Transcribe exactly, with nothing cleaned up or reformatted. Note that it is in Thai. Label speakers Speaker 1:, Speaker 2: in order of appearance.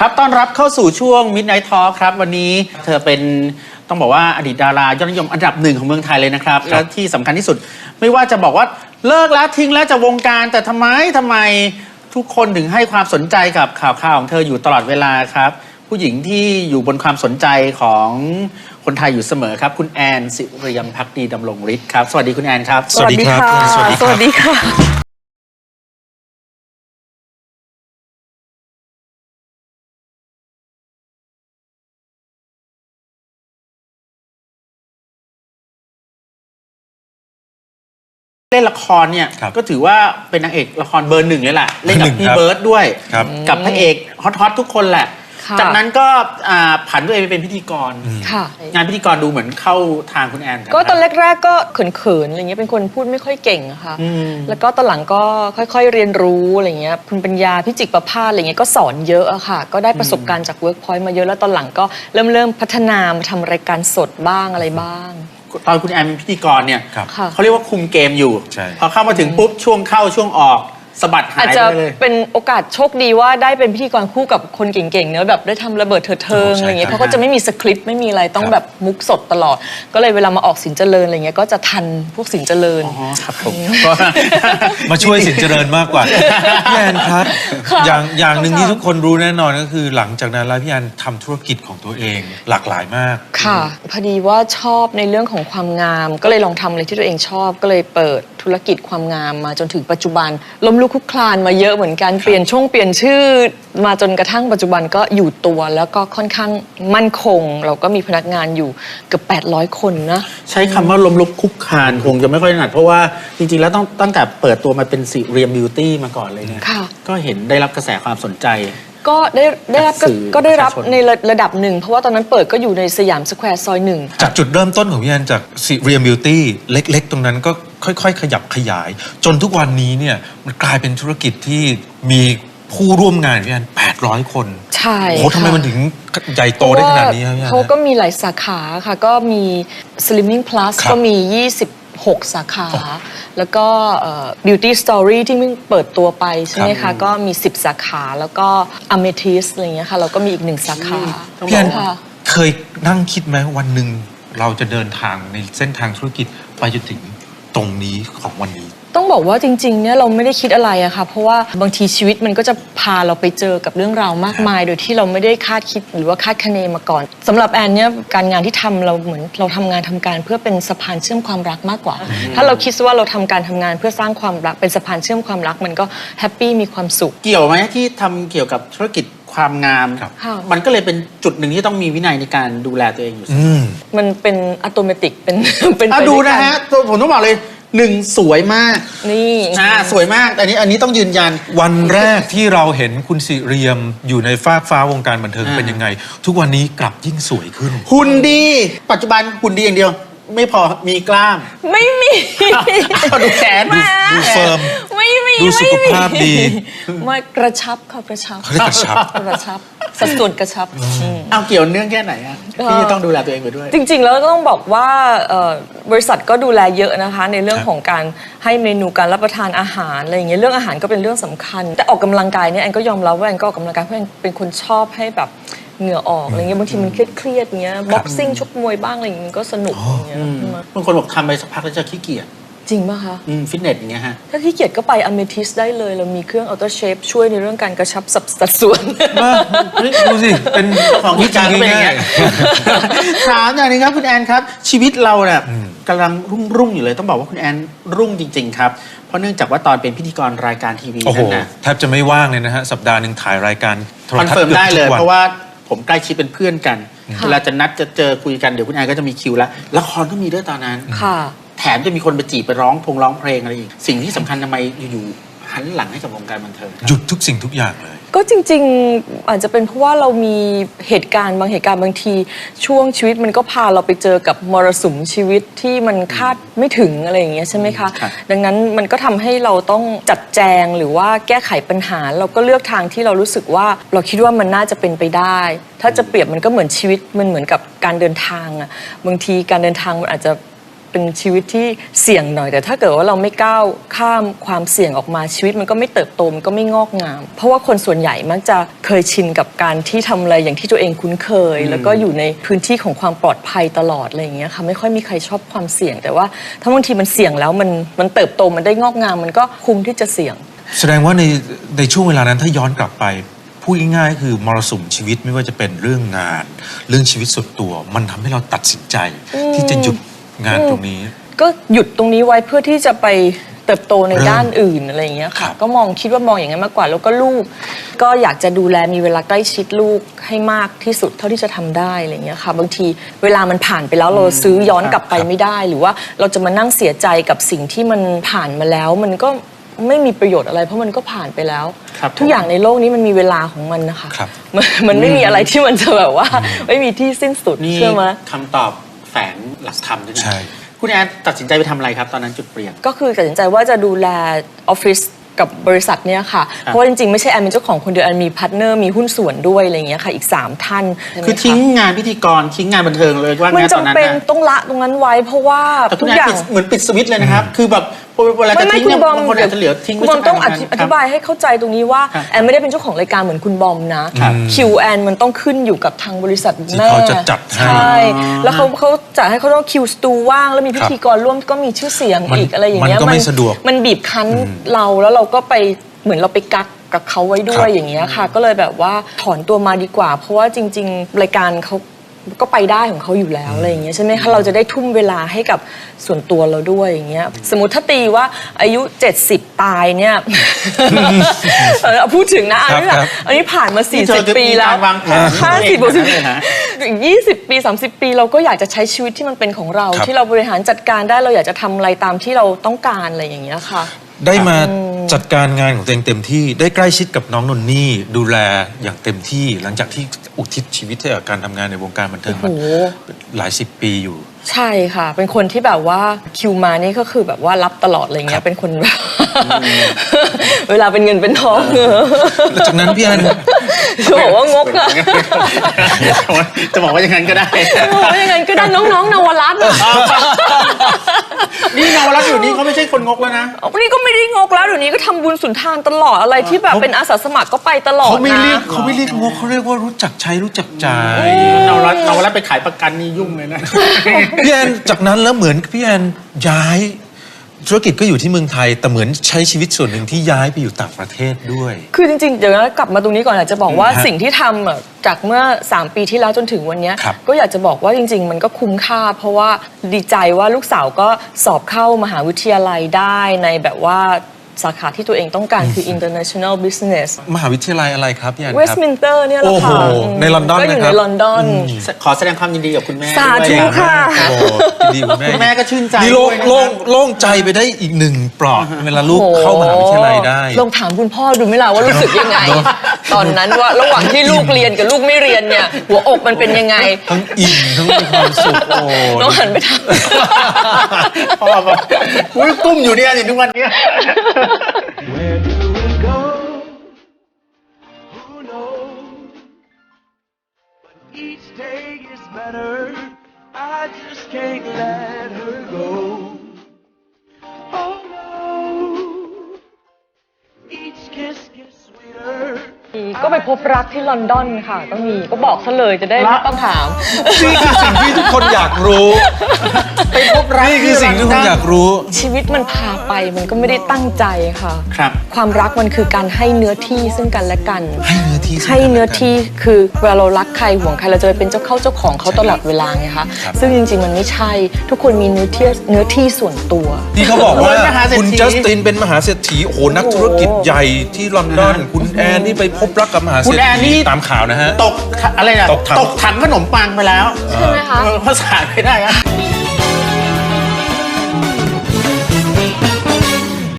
Speaker 1: ครับต้อนรับเข้าสู่ช่วง Midnight Talk ครับวันนี้เธอเป็นต้องบอกว่าอดีตดารายอดนิยมอันดับหนึ่งของเมืองไทยเลยนะครับและที่สำคัญที่สุดไม่ว่าจะบอกว่าเลิกแล้วทิ้งแล้วจากวงการแต่ทำไมทำไมทุกคนถึงให้ความสนใจกับข่าวข่าวของเธออยู่ตลอดเวลาครับผู้หญิงที่อยู่บนความสนใจของคนไทยอยู่เสมอครับคุณแอนสิริยมภักดีดำรงฤทธิ์ครับสวัสดีคุณแอนครับ
Speaker 2: สวัสดีค่ะสวัสดีสวัสดีค่ะ
Speaker 1: เล่นละครเนี่ยก็ถือว่าเป็นนางเอกละครเบอร์หนึ่งเลยแหละเล่นกับพี่เบิร์ดด้วยกับพระเอกฮอตๆทุกคนแหละจากนั้นก็ผันตัวเองไปเป็นพิธีกรงานพิธีกรดูเหมือนเข้าทางคุณแอน
Speaker 2: ก็ตอนแรกๆก็เขินๆอะไรเงี้ยเป็นคนพูดไม่ค่อยเก่งอะค่ะแล้วก็ตอนหลังก็ค่อยๆเรียนรู้อะไรเงี้ยคุณปัญญาพิจิตรประภาสอะไรเงี้ยก็สอนเยอะอะค่ะก็ได้ประสบการณ์จากเวิร์กพอยต์มาเยอะแล้วตอนหลังก็เริ่มเริ่มพัฒนามาทำรายการสดบ้างอะไรบ้าง
Speaker 1: ตอนคุณแอนเป็นพิธีกรเนี่ยเขาเรียกว่าคุมเกมอยู่พอเข้ามาถึงปุ๊บช่วงเข้าช่วงออกสะบัดหายไปเลยอาจจะ
Speaker 2: เป็นโอกาสโชคดีว่าได้เป็นพิธีกรคู่กับคนเก่งๆเนอะแบบได้ทำระเบิดเถิดเทิงอะไรเงี้ยเขาก็จะไม่มีสคริปต์ไม่มีอะไรต้องแบบมุกสดตลอดก็เลยเวลามาออกสินเจริญอะไรเงี้ยก็จะทันพวกสินเจริญ
Speaker 1: อ๋อครับผม
Speaker 3: มาช่วยสินเจริญมากกว่าพี่แอนครับอย่างอย่างหนึ่งที่ทุกคนรู้แน่นอนก็คือหลังจากนั้นแล้วพี่แอนทำธุรกิจของตัวเองหลากหลายมาก
Speaker 2: ค่ะพอดีว่าชอบในเรื่องของความงามก็เลยลองทำอะไรที่ตัวเองชอบก็เลยเปิดธุรกิจความงามมาจนถึงปัจจุบันล้มลุกคลุกคลานมาเยอะเหมือนกันเปลี่ยนช่วงเปลี่ยนชื่อมาจนกระทั่งปัจจุบันก็อยู่ตัวแล้วก็ค่อนข้างมั่นคงเราก็มีพนักงานอยู่เกือบแปดร้อยคนนะ
Speaker 1: ใช้คำว่าล้มลุกคลุกคลานคงจะไม่ค่อยถนัดเพราะว่าจริงๆแล้วต้องตั้งแต่เปิดตัวมาเป็นสิเรียมบิวตี้มาก่อนเลยเนี่ยก็เห็นได้รับกระแสความสนใจ
Speaker 2: ก็ได้ได้รับก็ได้รับในระดับหนึ่งเพราะว่าตอนนั้นเปิดก็อยู่ในสยามสแควร์ซอยหนึ่ง
Speaker 3: จากจุดเริ่มต้นของพี่แอนจากสิเรียมบิวตี้เล็กๆตรงนั้นก็ค่อยๆขยับขยายจนทุกวันนี้เนี่ยมันกลายเป็นธุรกิจที่มีผู้ร่วมงานพี่แอนแปดร้อยคน
Speaker 2: ใช่
Speaker 3: โอ้ทำไมมันถึงใหญ่โตได้ขนาดนี้ครับพี่แอน
Speaker 2: เขาก็มีหลายสาขาค่ะก็มี Slimming Plus ก็มียี่สิบหกสาขาแล้วก็ Beauty Story ที่เพิ่งเปิดตัวไปใช่ไหมคะก็มีสิบสาขาแล้วก็ Amethyst อะไรอย่างเงี้ยค่ะเราก็มีอีกหนึ่งสาขา
Speaker 3: พี่แอนเคยนั่งคิดไหมวันหนึ่งเราจะเดินทางในเส้นทางธุรกิจไปจนถึงตรงนี้ของวันนี้
Speaker 2: ต้องบอกว่าจริงๆเนี่ยเราไม่ได้คิดอะไรอะค่ะเพราะว่าบางทีชีวิตมันก็จะพาเราไปเจอกับเรื่องราวมากมายโดยที่เราไม่ได้คาดคิดหรือว่าคาดคะเนมาก่อนสำหรับแอนเนี่ยการงานที่ทำเราเหมือนเราทำงานทำการเพื่อเป็นสะพานเชื่อมความรักมากกว่าถ้าเราคิดว่าเราทำการทำงานเพื่อสร้างความรักเป็นสะพานเชื่อมความรักมันก็แฮปปี้มีความสุข
Speaker 1: เกี่ยวไหมที่ทำเกี่ยวกับธุรกิจความงามมันก็เลยเป็นจุดหนึ่งที่ต้องมีวินัยในการดูแลตัวเองอยู่
Speaker 2: มันเป็นอัตโนมัติเป็นเป็น
Speaker 1: ดูนะฮะผมต้องบอกเลยหนึ่งสวยมาก
Speaker 2: นี่
Speaker 1: อ่าสวยมากอันนี้อันนี้ต้องยืนยัน
Speaker 3: วันแรกที่เราเห็นคุณสิเรียมอยู่ในฟากฟ้าวงการบันเทิงเป็นยังไงทุกวันนี้กลับยิ่งสวยขึ้น
Speaker 1: หุ่นดีปัจจุบันหุ่นดีอย่างเดียวไม่พอมีกล้าม
Speaker 2: ไม่มี
Speaker 1: ดูแขน
Speaker 3: ดูเฟิร์ม
Speaker 2: ไม่มี
Speaker 3: ดูสุขภาพดี
Speaker 2: ไม่กระชับค่ะกระชับ
Speaker 3: กระชับ
Speaker 2: กระชับสัดส่วนกระชับ
Speaker 1: เอาเกี่ยวเนื่องแค่ไหนอะที่จะต้องดูแลตัวเองไปด้วย
Speaker 2: จริงๆแล้วก็ต้องบอกว่าบริษัทก็ดูแลเยอะนะคะในเรื่องของการให้เมนูการรับประทานอาหารอะไรอย่างเงี้ยเรื่องอาหารก็เป็นเรื่องสำคัญแต่ออกกำลังกายเนี่ยแอนก็ยอมรับว่าแอนก็ออกกำลังกายเพราะแอนเป็นคนชอบให้แบบเหงื่อออกอะไรเงี้ยบางทีมันเครียดๆเงี้ยบ็อกซิ่งชกมวยบ้างอะไรอย่างเงี้ยก็สนุกอย่างเงี้ย
Speaker 1: บางคนบอกทำไปสักพักแล้วจะขี้เกียจ
Speaker 2: จริงป่ะคะ
Speaker 1: ฟิตเนสอย่างเงี้ยฮะ
Speaker 2: ถ้าขี้เกียจก็ไปอเมทิสได้เลยเรามีเครื่องอัลตร้าเชฟช่วยในเรื่องการกระชับสัดส่วน
Speaker 3: ดูสิเป็น
Speaker 1: ของที่จางเป็นอย่างเงี้ยถามอย่างนี้ครับคุณแอนครับชีวิตเราเนี่ยกำลังรุ่งรุ่งอยู่เลยต้องบอกว่าคุณแอนรุ่งจริงๆครับเพราะเนื่องจากว่าตอนเป็นพิธีกรรายการทีวีนั่นนะ
Speaker 3: แทบจะไม่ว่างเลยนะฮะสัปดาห์หนึ่งถ่ายรายการ
Speaker 1: โทรทัศน์คอนเฟิร์มได้เลยเพราะว่าผมใกล้ชิดเป็นเพื่อนกันเวลาจะนัดจะเจอคุยกันเดี๋ยวคุณแอนก็จะมีคิวแล้วละครก็มีด้วยตอนนั้น
Speaker 2: ค่ะ
Speaker 1: แถมจะมีคนไปจีบไปร้องพงร้องเพลงอะไรอีกสิ่งที่สำคัญทำไมอยู่ๆหันหลังให้กับวงการบันเทิง
Speaker 3: หยุดทุกสิ่งทุกอย่างเลย
Speaker 2: ก็จริงๆอาจจะเป็นเพราะว่าเรามีเหตุการณ์บางเหตุการณ์บางทีช่วงชีวิตมันก็พาเราไปเจอกับมรสุมชีวิตที่มันคาดไม่ถึงอะไรอย่างเงี้ยใช่ไหมคะดังนั้นมันก็ทำให้เราต้องจัดแจงหรือว่าแก้ไขปัญหาเราก็เลือกทางที่เรารู้สึกว่าเราคิดว่ามันน่าจะเป็นไปได้ถ้าจะเปรียบมันก็เหมือนชีวิตมันเหมือนกับการเดินทางอะบางทีการเดินทางมันอาจจะเป็นชีวิตที่เสี่ยงหน่อยแต่ถ้าเกิดว่าเราไม่ก้าวข้ามความเสี่ยงออกมาชีวิตมันก็ไม่เติบโตมันก็ไม่งอกงาม เพราะว่าคนส่วนใหญ่มักจะเคยชินกับการที่ทำอะไรอย่างที่ตัวเองคุ้นเคย แล้วก็อยู่ในพื้นที่ของความปลอดภัยตลอดอะไรอย่างเงี้ยค่ะไม่ค่อยมีใครชอบความเสี่ยงแต่ว่าถ้าบางทีมันเสี่ยงแล้วมันมันเติบโตมันได้งอกงามมันก็คุ้มที่จะเสี่ยง
Speaker 3: แสดงว่าในในช่วงเวลานั้นถ้าย้อนกลับไปพูดง่ายๆคือมรสุมชีวิตไม่ว่าจะเป็นเรื่องงาน เรื่องชีวิตส่วนตัว มันทำให้เราตัดสินใจ ที่จะหยุดงานตรงนี้
Speaker 2: ก็หยุดตรงนี้ไว้เพื่อที่จะไปเติบโตใน
Speaker 3: เริ่ม
Speaker 2: ด้านอื่นอะไรอย่างเงี้ย
Speaker 3: ครั
Speaker 2: ค่ะ
Speaker 3: บ
Speaker 2: ก็มองคิดว่ามองอย่างนั้นมากกว่าแล้วก็ลูก ก็อยากจะดูแลมีเวลาใกล้ชิดลูกให้มากที่สุดเท่าที่จะทำได้อะไรอย่างเงี้ยค่ะบางทีเวลามันผ่านไปแล้วเราซื้อย้อนกลับไปไม่ได้ หรือว่าเราจะมานั่งเสียใจกับสิ่งที่มันผ่านมาแล้ว มันก็ไม่มีประโยชน์อะไร เพราะมันก็ผ่านไปแล้ว
Speaker 1: ครับ
Speaker 2: ทุกอย่างในโลกนี้มันมีเวลาของมันนะคะ
Speaker 3: ครับ
Speaker 2: มันมันไม่มีอะไรที่มันจะแบบว่าไม่มีที่สิ้นสุด
Speaker 1: นี่
Speaker 2: เชื่อไหม
Speaker 1: คำตอบแฝงหลักธรรมด้วยนะ
Speaker 3: ใช่
Speaker 1: คุณแอนตัดสินใจไปทำอะไรครับตอนนั้นจุดเปลี่ยน
Speaker 2: ก็คือตัดสินใจว่าจะดูแลออฟฟิศกับบริษัทเนี่ยค่ะ เพราะว่าจริงๆ ไม่ใช่แอนเป็นเจ้าของคนเดียวแอนมีพาร์ทเนอร์มีหุ้นส่วนด้วยอะไรอย่างเงี้ยค่ะอีกสามท่านใช่ไหมะ
Speaker 1: คือทิ้งงานพิธีกรทิ้งงานบันเทิงเลยว่า
Speaker 2: มัน
Speaker 1: งั้นตอนนั้น
Speaker 2: จำเป็น
Speaker 1: นะ
Speaker 2: ต้องละตรงนั้นไว้เพราะว่า
Speaker 1: แต่คุ
Speaker 2: ทุ
Speaker 1: ณ
Speaker 2: ก
Speaker 1: แอน
Speaker 2: อย่าง
Speaker 1: ปิดเหมือนปิดสวิตช์เลยนะครับ คือแบบเวลาจะ
Speaker 2: ไม่ไม่
Speaker 1: ทิ้ง
Speaker 2: คุ
Speaker 1: เนี่
Speaker 2: ณ
Speaker 1: ย
Speaker 2: บอม
Speaker 1: บางคนอาจจะเหลือทิ้ง
Speaker 2: คุณ
Speaker 1: ไว้
Speaker 2: บอมต้องอ
Speaker 1: สัก
Speaker 2: ธิ
Speaker 1: น
Speaker 2: อธิบายให้เข้าใจตรงนี้ว่า
Speaker 1: ครับ
Speaker 2: แอนไม่ได้เป็นเจ้าของรายการเหมือนคุณบอมนะครับ คิวแอนมันต้องขึ้นอยู่กับทางบริษัท
Speaker 3: ที่
Speaker 2: แม่
Speaker 3: เขาจะจัดให้
Speaker 2: ใช่แล้วเขาเขาจัดให้เขาต้องคิวสตูว่างแล้วมีพิ
Speaker 3: ครับ
Speaker 2: ธีกรร่วมก็มีชื่อเสียง
Speaker 3: มัน
Speaker 2: อีกอะไรอย่างเงี้ย
Speaker 3: มันก็ไม่สะดวก
Speaker 2: มันบีบคั้นเราแล้วเราก็ไปเหมือนเราไปกักกับเขาไว้ด้ว
Speaker 3: ครั
Speaker 2: ย
Speaker 3: บ
Speaker 2: อย่างเงี้ยค่ะ ก็เลยแบบว่าถอนตัวมาดีกว่า เพราะว่าจริง ๆ รายการเขาก็ไปได้ของเขาอยู่แล้วอะไรอย่างเงี้ยใช่ไหมคะเราจะได้ทุ่มเวลาให้กับส่วนตัวเราด้วยอย่างเงี้ยสมมติถ้าตีว่าอายุเจ็ดสิบตายเนี่ย เออเอาพูดถึงนะอันนี้
Speaker 3: ครับ
Speaker 2: แบบอันนี้ผ่านมา
Speaker 1: นี่เธอ
Speaker 2: สี่สิบ ปีแล้ว
Speaker 1: มีการวางแผน
Speaker 2: ห้าสิบ
Speaker 1: ตัว
Speaker 2: สิ
Speaker 1: เอบ งเลยฮะ
Speaker 2: อีกยี่สิบปีสามสิบปีเราก็อยากจะใช้ชีวิตที่มันเป็นของเรา
Speaker 3: ครับ
Speaker 2: ที่เราบริหารจัดการได้เราอยากจะทำอะไรตามที่เราต้องการอะไรอย่างเงี้ยค่ะ
Speaker 3: ได้มาจัดการงานของตัวเองเต็มที่ได้ใกล้ชิดกับน้องนนนี่ดูแลอย่างเต็มที่หลังจากที่อุทิศชีวิตให้กับการทำงานในวงการบันเทิงมา
Speaker 2: โอ้โห
Speaker 3: หลายสิบปีอยู่
Speaker 2: ใช่ค่ะ เป็นคนที่แบบว่าคิวมานี่ก็คือแบบว่ารับตลอดอะไร
Speaker 3: ครั
Speaker 2: เงี้ย
Speaker 3: บ
Speaker 2: เป็นคนแบบ เวลาเป็นเงินเป็นทอง
Speaker 3: แล้วจากนั้นพี่แอน
Speaker 2: จะบอกว่างกอะ
Speaker 1: จะบอกว่าอย่างนั้นก็ได้
Speaker 2: จะบอกว่ายังไงก็ได้น้องๆนวรัตน์อะ
Speaker 1: นี่นวรัตน์อยู่นี่เขาไม่ใช่คนงกแล้วนะ
Speaker 2: วันนี้ก็ไม่ได้งกแล้วเดี๋ยวนี้ก็ทำบุญสุนทานตลอดอะไรที่แบบเป็นอาสาสมัครก็ไปตลอด
Speaker 3: เขาไม่
Speaker 2: นะ
Speaker 3: เรียกเขาไม่เรียกงกเขาเรียกว่ารู้จักใช้รู้จักจ่าย
Speaker 1: นวรัตน์นวรัตน์ไปขายประกันนี่ยุ่งเลยนะ
Speaker 3: พี่แอนจากนั้นแล้วเหมือนพี่แอนย้ายธุรกิจก็อยู่ที่เมืองไทย แต่เหมือนใช้ชีวิตส่วนหนึ่งที่ย้ายไปอยู่ต่างประเทศด้วย
Speaker 2: คือจริงๆ เดี๋ยวนะกลับมาตรงนี้ก่อนอยากจะบอกว่า
Speaker 3: ฮะ
Speaker 2: สิ่งที่ทำอะจากเมื่อสามปีที่แล้วจนถึงวันเนี้ย
Speaker 3: ครับ
Speaker 2: ก็อยากจะบอกว่าจริง ๆ มันก็คุ้มค่า เพราะว่าดีใจว่าลูกสาวก็สอบเข้ามหาวิทยาลัยได้ในแบบว่าสาขาที่ตัวเองต้องการคือ international business
Speaker 3: มหาวิทยาลัยอะไรครับพี่แอนครับ
Speaker 2: Westminster เนี่ยแหละค่ะ
Speaker 3: โอ้โหในลอนดอน
Speaker 2: ก็อยู่
Speaker 3: นะครั
Speaker 2: ใน
Speaker 3: บ
Speaker 2: ลอนดอน
Speaker 1: ขอแสดงความยินดีกับคุณแม่
Speaker 2: สาธุ
Speaker 1: ด้วยน
Speaker 2: ค่ะ
Speaker 3: โอ้โหดีคุณแม่
Speaker 1: คุณแม่ก็ชื่นใจ
Speaker 3: นี่โล่ง
Speaker 1: ด้วยนะครับ
Speaker 3: โล่งโล่งใจไปได้อีกหนึ่งปลอกเวลาลูกเข้ามหาวิทยาลัยได้
Speaker 2: ลองถามคุณพ่อดูไหมล่ะว่ารู้สึกยังไง ตอนนั้นว่าระหว่างที่ลูกเรียนกับลูกไม่เรียนเนี่ยหัวอกมันเป็นยังไง
Speaker 3: ทั้งอิ่มทั้งมีความสุขโอ้
Speaker 2: น้องหันไปถาม
Speaker 1: พ่อบอกอุ้ยกุ้มอยู่เนี่ยอยู่ทุกวันเนี้ย
Speaker 4: Where do we go? Who knows? But each day is better. I just can't let her go. Oh no. Each kiss gets sweeter.
Speaker 2: ก็ไปพบรักที่ลอนดอนค่ะก็มีก็บอกซะเลยจะได้ไม่ต้องถาม
Speaker 3: นี่คือสิ่งที่ทุกคนอยากรู้
Speaker 1: ไปพบรัก
Speaker 3: นี่คือสิ่งที่ทุกคนอยากรู้
Speaker 2: ชีวิตมันพาไปมันก็ไม่ได้ตั้งใจค่ะ
Speaker 1: ครับ
Speaker 2: ความรักมันคือการให้เนื้อที่ซึ่งกันและกัน
Speaker 3: ให้เนื้อที่ซึ่งกันและกัน
Speaker 2: ให้เนื้อที่คือเวลาเรารักใครห่วงใครเราจะไปเป็นเจ้าเข้าเจ้าของเขาตลอดเวลาไงคะ
Speaker 3: ครับ
Speaker 2: ซึ่งจริงๆมันไม่ใช่ทุกคนมีเนื้อที่เนื้อที่ส่วนตัว
Speaker 3: ที่เขาบอกว่า
Speaker 1: โอ้ยมหาเศรษฐี
Speaker 3: คุณจัสตินเป็นมหาเศรษฐีโอ้โหนักธุรกิจใหญ่ที่ลอนดอน คุณแอนนี่ไปพบรักกับมหาเศ
Speaker 1: คุ
Speaker 3: ร
Speaker 1: ณ
Speaker 3: ษ
Speaker 1: แอนนี่
Speaker 3: ฐีตามข่าวนะฮะ
Speaker 1: ตกอะไรนะ
Speaker 3: ตกถัง
Speaker 1: ตกถังขนมปังไปแล้ว
Speaker 2: ใช่ไหมคะ
Speaker 1: เออภาษาไม่ได้อะ
Speaker 2: น